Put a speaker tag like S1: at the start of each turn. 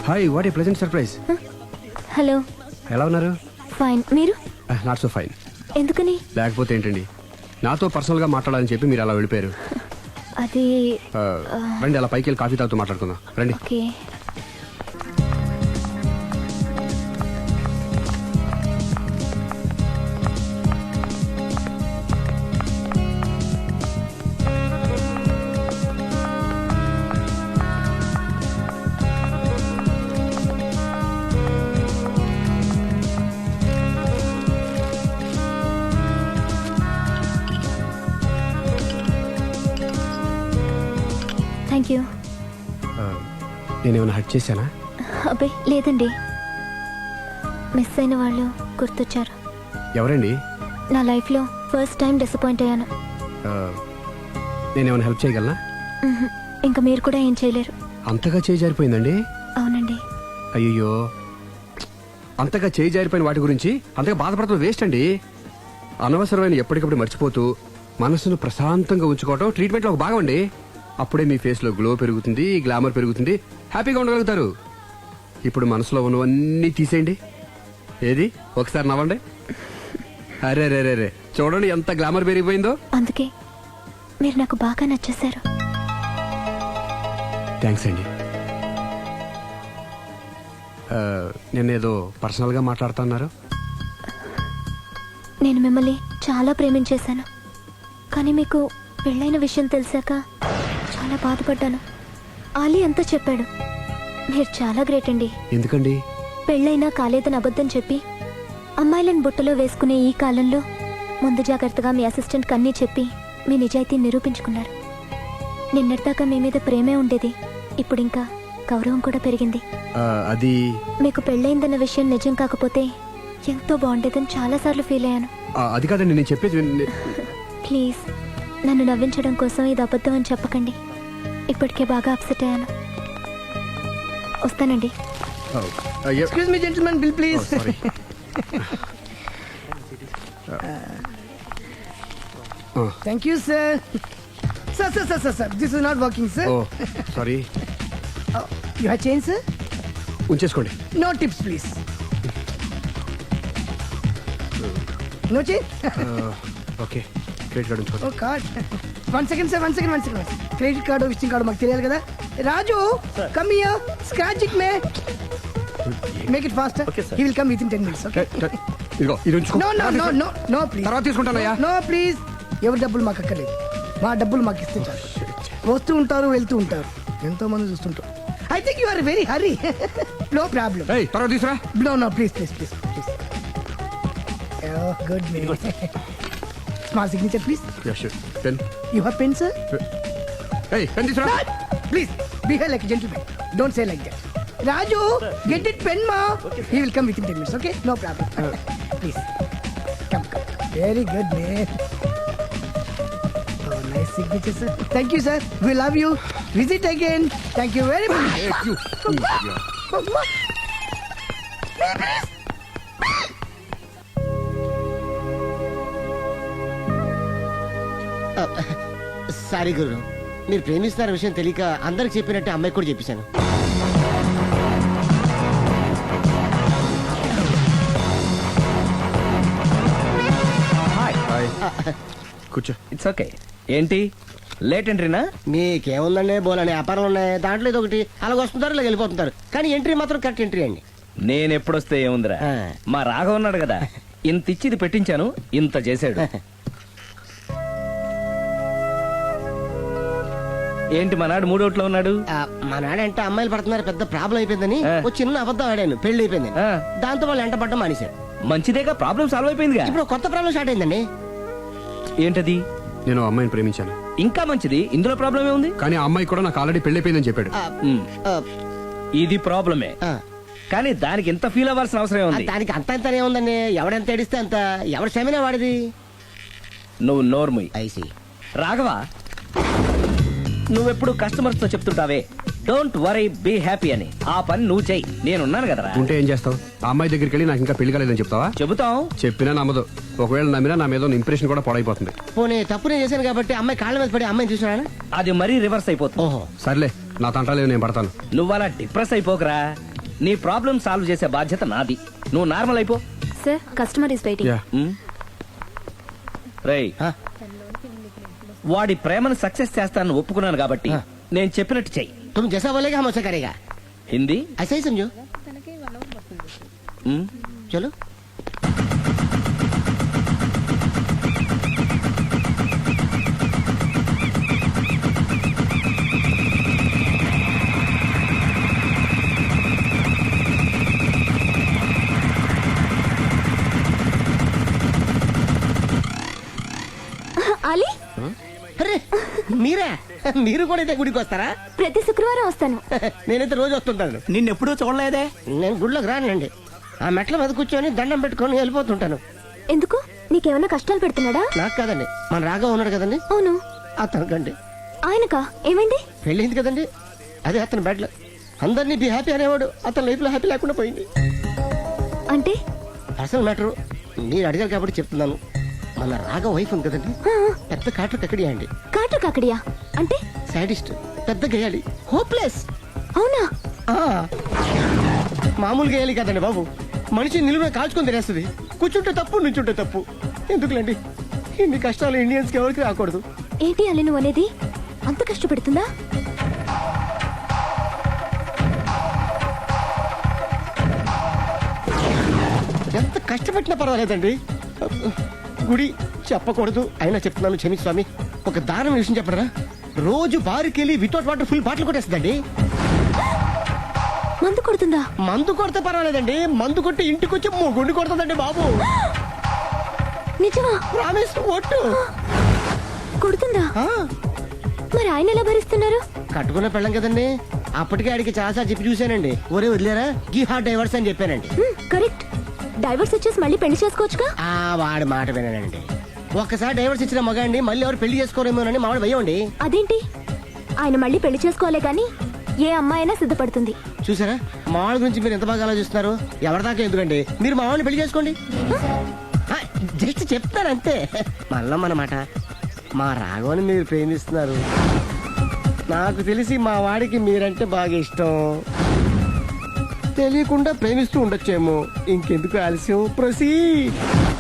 S1: Hi, what a pleasant surprise.
S2: Hello.
S1: ఎలా ఉన్నారు?
S2: Fine. మీరు?
S1: Not so fine.
S2: ఎందుకని?
S1: లేకపోతే ఏంటండి, నాతో పర్సనల్గా మాట్లాడాలని చెప్పి మీరు అలా వెళ్ళిపోయారు.
S2: అది
S1: రండి, అలా పైకి వెళ్ళి కాఫీ తాగుతూ మాట్లాడుకుందాం రండి.
S2: ఓకే. Thank you.
S1: నేనేమైనా హట్ చేశానా?
S2: అబ్బే లేదండి, మిస్ అయిన వాళ్ళు గుర్తొచ్చారు.
S1: ఎవరండి?
S2: నా లైఫ్లో ఫస్ట్ టైం డిసప్పాయింట్ అయ్యాను.
S1: నేనేమైనా హెల్ప్ చేయగలనా?
S2: ఇంకా మీరు కూడా ఏం చేయలేరు.
S1: అంతగా చేయి జారిపోయిందండి?
S2: అవునండి.
S1: అయ్యో, అంతగా చేయి జారిపోయిన వాటి గురించి అంతగా బాధపడటం వేస్ట్ అండి. అనవసరమైన ఎప్పటికప్పుడు మర్చిపోతూ మనసును ప్రశాంతంగా ఉంచుకోవటం ట్రీట్మెంట్లో ఒక భాగం అండి. అప్పుడే మీ ఫేస్లో గ్లో పెరుగుతుంది, గ్లామర్ పెరుగుతుంది, హ్యాపీగా ఉండగలుగుతారు. ఇప్పుడు మనసులో ఉన్నవన్నీ తీసేయండి. ఏది, ఒకసారి నవ్వండి. అరే రే రే రే, చూడండి ఎంత గ్లామర్ పెరిగిపోయిందో.
S2: అందుకే మీరు నాకు బాగా నచ్చేశారు.
S1: థ్యాంక్స్ అండి. నేనేదో పర్సనల్గా మాట్లాడుతున్నారు.
S2: నేను మిమ్మల్ని చాలా ప్రేమించేశాను, కానీ మీకు పెళ్ళైన విషయం తెలిసాక చాలా బాధపడ్డాను. ఆలీ అంతా చెప్పాడు. మీరు చాలా గ్రేట్ అండి.
S1: ఎందుకండి?
S2: పెళ్ళైనా కాలేదని అబద్ధం చెప్పి అమ్మాయిలను బుట్టలో వేసుకునే ఈ కాలంలో ముందు జాగ్రత్తగా మీ అసిస్టెంట్ కన్నీ చెప్పి మీ నిజాయితీ నిరూపించుకున్నారు. నిన్నటిదాకా మీ మీద ప్రేమే ఉండేది, ఇప్పుడు ఇంకా గౌరవం కూడా పెరిగింది.
S1: అది
S2: మీకు పెళ్ళైందన్న విషయం నిజం కాకపోతే ఎంతో బాగుండేదని చాలాసార్లు ఫీల్ అయ్యాను.
S1: అది కాదండి నేను చెప్పేది.
S2: ప్లీజ్ నన్ను నవ్వించడం కోసం ఇది అబద్ధం అని చెప్పకండి. ఇప్పటికే బాగా అప్సెట్ అయ్యాను. వస్తానండి.
S3: Excuse me, gentlemen, bill please. Thank you, sir. Sir. This is not working, sir.
S1: Sorry.
S3: You have change, sir?
S1: ఉంచేసుకోండి.
S3: No tips, please. No change?
S1: Okay, credit card ఉంచుకోండి.
S3: Oh, card. One second, sir. Credit card or visiting card మాకు తెలియాలి కదా. Raju, come here. Scratch it, man. Make it faster.
S4: Okay, sir.
S3: He will come within 10 minutes, okay?
S1: ఇదిగో ఇది ఉంచుకో.
S3: No, please.
S1: తర్వాత తీసుకుంటానయ్యా.
S3: No, please. ఎవరి డబ్బులు మాకు అక్కర్లేదు, మా డబ్బులు మాకు ఇస్తే చాలు. వస్తూ ఉంటారు, వెళ్తూ ఉంటారు, ఎంతో మంది చూస్తుంటారు. I think you are very hurry. No problem.
S1: తర్వాత తీసురా.
S3: No, please. Oh, good man. Small signature, please.
S1: Yeah, sure. Pen.
S3: You have pen, sir?
S1: Hey, pen తీసురా.
S3: Please, behave like a gentleman. Don't say like that. Raju, get it pen, ma.
S4: Okay,
S3: He will come within 10 minutes, okay? No problem. Please. Come. Very good, man. Oh, nice signature, sir. Thank you, sir. We love you. Visit again. Thank you very much.
S1: Thank you.
S5: Sorry గురు, మీరు ప్రేమిస్తున్న విషయం తెలియక అందరికి చెప్పినట్టు అమ్మాయికి కూడా చెప్పేశాను.
S1: కూర్చో.
S4: It's okay. ఏంటి లేట్ ఎంట్రీనా?
S5: మీకేముందండి, బోలని వ్యాపారం ఉన్నాయి, దాంట్లో ఇది ఒకటి అలాగ వస్తుంటారు, ఇలా వెళ్ళిపోతుంటారు, కానీ ఎంట్రీ మాత్రం కరెక్ట్ ఎంట్రీ అండి.
S4: నేను ఎప్పుడొస్తే ఏముందిరా, మా రాఘవ ఉన్నాడు కదా, ఇంత ఇచ్చిది పెట్టించాను, ఇంత చేశాడు. ఏంటి మనాడు మూడోట్లో ఉన్నాడు?
S5: మా నాడంటే అమ్మాయిలు పడుతున్నారు, పెద్ద ప్రాబ్లం అయిపోయిందని ఒక చిన్న అబద్ధం ఆడాను, పెళ్లి అయిపోయింది. దాంతో వాళ్ళు ఎంట పడ్డం మానేశారు.
S4: మంచిదేగా, ప్రాబ్లం సాల్వ్ అయిపోయిందిగా.
S5: ఇప్పుడు కొత్త ప్రాబ్లం స్టార్ట్ అయిందండి.
S4: ఏంటది?
S1: నేను అమ్మాయిని ప్రేమించాను.
S4: ఇంకా మంచిది, ఇందులో ప్రాబ్లం ఏముంది?
S1: కానీ ఆ అమ్మాయి కూడా నాకు ఆల్రెడీ పెళ్ళైపోయిందని చెప్పాడు.
S4: ఇది ప్రాబ్లమే, కానీ దానికి ఎంత ఫీల్ అవ్వాల్సిన అవసరం ఉంది?
S5: దానికి అంత అంతనే ఉందండి, ఎవడెంత ఏడిస్తే అంత, ఎవరి క్షమేనా వాడిది.
S4: నువ్వు నోర్ముయ్.
S5: ఐసి
S4: రాఘవ, నువ్వెప్పుడు కస్టమర్స్ తో చెప్తుంటావే డోంట్ వరీ బీ హ్యాపీ అని, ఆ పని నువ్వు చెయ్యి, నేనున్నాను కదరా.
S1: ఉంటే ఏం చేస్తావు? ఆ అమ్మాయి దగ్గరికి వెళ్ళి నాకు ఇంకా పెళ్లి కాలేదని చెప్తావా?
S4: చెబుతాం.
S1: చెప్పినా నమ్మదు. ఒకవేళ నమ్మినా నా మీద ఇంప్రెషన్ కూడా పాడైపోతుంది.
S5: పోనీ తప్పునే చేశాను కాబట్టి అమ్మాయి కాళ్ళ మీద పడి అమ్మాయిని చూసినా
S4: అది మరీ రివర్స్ అయిపోతుంది.
S5: ఓహో
S1: సర్లే, నా తంటాలేదు, నేను పడతాను.
S4: నువ్వు అలా డిప్రెస్ అయిపోకరా, నీ ప్రాబ్లం సాల్వ్ చేసే బాధ్యత నాది. నువ్వు నార్మల్ అయిపో.
S2: Sir customer is waiting.
S1: యా
S4: రేయ్, వాడి ప్రేమను సక్సెస్ చేస్తానని ఒప్పుకున్నాను కాబట్టి నేను చెప్పినట్టు చెయ్యి.
S5: तुम जैसा बोलेगा हम वैसा करेगा.
S4: హిందీ
S5: ऐसा ही समझो. चलो.
S2: అలీ,
S5: అరే మీరా? మీరు కూడా అయితే గుడికి వస్తారా?
S2: ప్రతి శుక్రవారం వస్తాను.
S5: నేనైతే రోజు వస్తుంటాను.
S6: నిన్నెప్పుడూ చూడలేదే.
S5: నేను గుడిలోకి రానండి. ఆ మెట్ల మీద కూర్చొని దండం పెట్టుకొని వెళ్ళిపోతుంటాను.
S2: ఎందుకు? నీకేమైనా కష్టాలు పెడుతున్నాడా?
S5: నాకు కాదండి, మన రాఘవ ఉన్నాడు కదండి,
S2: అవును.
S5: అతనికండి
S2: ఆయనకా? ఏమైంది?
S5: పెళ్ళింది కదండి, అదే అతని బెడ్లో అందరినీ బి హ్యాపీ అనేవాడు. అతని లైఫ్ లో హ్యాపీ లేకుండా పోయింది.
S2: అంటే
S5: అసలు మ్యాటర్ మీరు అడిగారు కాబట్టి చెప్తున్నాను. మన రాఘవ వైఫ్ ఉంది కదండి, పెద్ద కాటు కక్కడి అండి.
S2: కాటు కాకడియా అంటే?
S5: సాడిస్ట్, పెద్ద గేయాలి, హోప్లెస్.
S2: అవునా?
S5: మామూలు గేయాలి కదండి బాబు, మనిషి నిలువ కాల్చుకొని తినేస్తుంది. కూర్చుంటే తప్పు, నుంచుంటే తప్పు. ఎందుకులేండి ఇన్ని కష్టాలు ఇండియన్స్ కి ఎవరికి రాకూడదు.
S2: ఏంటి అలీ నువ్వు అనేది? అంత కష్టపెడుతుందా?
S5: ఎంత కష్టపెట్టినా పర్వాలేదండి. గుడి చెప్పకూడదు అయినా చెప్తున్నాను, క్షమించు స్వామి. ఒక దారుణ విషయం చెప్పరా, రోజు బారుకెళ్ళి వితౌట్ వాటర్ ఫుల్ బాటిల్ కొట్టేస్తుందండి.
S2: మందు కొడుతుందా?
S5: మందు కొడితే పర్వాలేదండి, మందు కొట్టి ఇంటికి వచ్చి గుండి కొడుతుందండి బాబు.
S2: నిజమా?
S5: ప్రామిస్, ఒట్టు.
S2: కొడుతుందా? మరి ఆయన ఎలా భరిస్తున్నారు?
S5: కట్టుకున్న పెళ్ళం కదండి, అప్పటికే ఆడికి చాలాసార్లు చెప్పి చూశానండి. ఒరే వదిలేరా, గీ హార్ట్ డైవర్స్ అని చెప్పానండి.
S2: కరెక్ట్. డైవర్స్ వచ్చేసి మళ్ళీ పెళ్లి చేసుకోవచ్చుగా.
S5: వాడి మాట వినానండి. ఒక్కసారి డైవర్స్ ఇచ్చిన మగాండి మళ్ళీ ఎవరు పెళ్లి చేసుకోరేమోనని మావాడు భయం అండి.
S2: అదేంటి? ఆయన మళ్ళీ పెళ్లి చేసుకోలే గాని ఏ అమ్మాయినా సిద్ధపడుతుంది.
S5: చూసారా, మావాడి గురించి మీరు ఎంత బాగా ఆలోచిస్తున్నారు. ఎవరిదాకా ఎందుకండి, మీరు మావాడిని పెళ్లి చేసుకోండి. జస్ట్ చెప్తాను అంతే. మళ్ళా మన మాట, మా రాఘవని మీరు ప్రేమిస్తున్నారు. నాకు తెలిసి మా వాడికి మీరంటే బాగా ఇష్టం. తెలియకుండా ప్రేమిస్తూ ఉండొచ్చేమో. ఇంకెందుకు ఆలస్యం, ప్రొసీడ్.